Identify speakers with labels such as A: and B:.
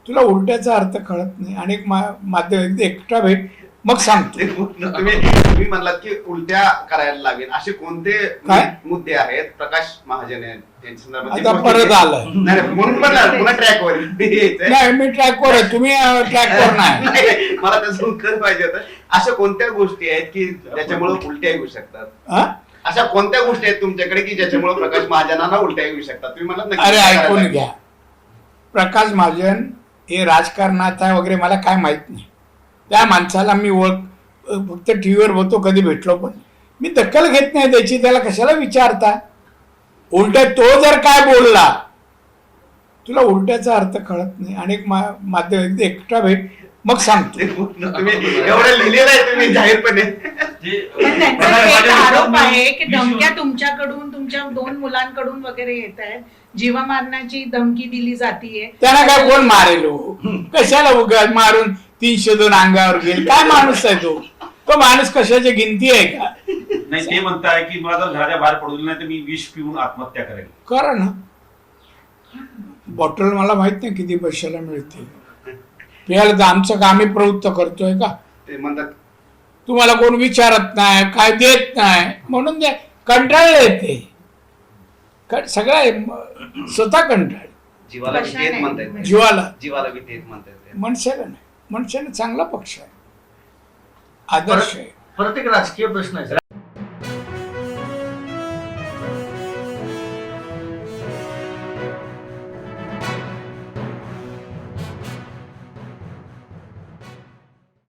A: तुला उलट्याचा अर्थ कळत नाही. अनेक माध्यम एकटा भेट मग सांगतो.
B: तुम्ही म्हणलात की उलट्या करायला लागेल असे कोणते
A: काय?
B: मुद्दे आहेत प्रकाश महाजन यांच्या संदर्भात?
A: आता परत आलं.
B: नाही, म्हणून म्हणलं पुन्हा ट्रॅकवर
A: नाही, मी ट्रॅकवर आहे, तुम्ही ट्रॅकवर नाही.
B: मला त्याचं उत्तर पाहिजे होतं. अशा कोणत्या गोष्टी आहेत की ज्याच्यामुळे उलट्या येऊ शकतात?
A: हा?
B: अशा कोणत्या गोष्टी आहेत तुमच्याकडे की ज्याच्यामुळे प्रकाश महाजनांना उलट्या येऊ शकतात? तुम्ही म्हणलात
A: अरे ऐकून घ्या, प्रकाश महाजन हे राजकारणात आहे वगैरे मला काय माहित नाही. त्या माणसाला मी फक्त टीव्हीवर बघतो, कधी भेटलो पण मी दखल घेत नाही त्याची. त्याला कशाला विचारता? उलट तो जर काय बोलला, तुला उलट्याचा अर्थ कळत नाही. अनेक माध्यम एकटा भेट मग सांगतो.
B: तुम्ही एवढं लिहिलेलं आहे तुम्ही जाहीरपणे.
C: पण त्यांचा एक आरोप आहे की धमक्या तुमच्याकडून, तुमच्या 2 मुलांकडून वगैरे येत आहेत, जीवा मारण्याची धमकी दिली जातीये.
A: त्यांना काय कोण मारेल हो? कशाला उगा मारून 302 अंगावर गेल? काय माणूस आहे तो? तो माणूस कशाची गिनती आहे का?
D: नाही, ते म्हणताय की मला जर घराच्या बाहेर पडू दिलं नाही तर मी विष पिऊन आत्महत्या करेल.
A: करा ना. बॉटल मला माहित नाही किती पैशाला मिळते. प्यायला तर आमचं आम्ही प्रवृत्त करतोय का?
B: ते म्हणतात
A: तुम्हाला कोण विचारत नाही, काय देत नाही म्हणून ते कंटाळले ते. सगळं स्वतः कंटाळ.
B: जीवाला भीती येत म्हणतायत.
A: जीवाला
B: भीती येत म्हणतायत.
A: मनशाला नाही. मनशाने चांगला पक्ष आहे, आदर्श आहे.
E: परत एक राजकीय प्रश्न आहे.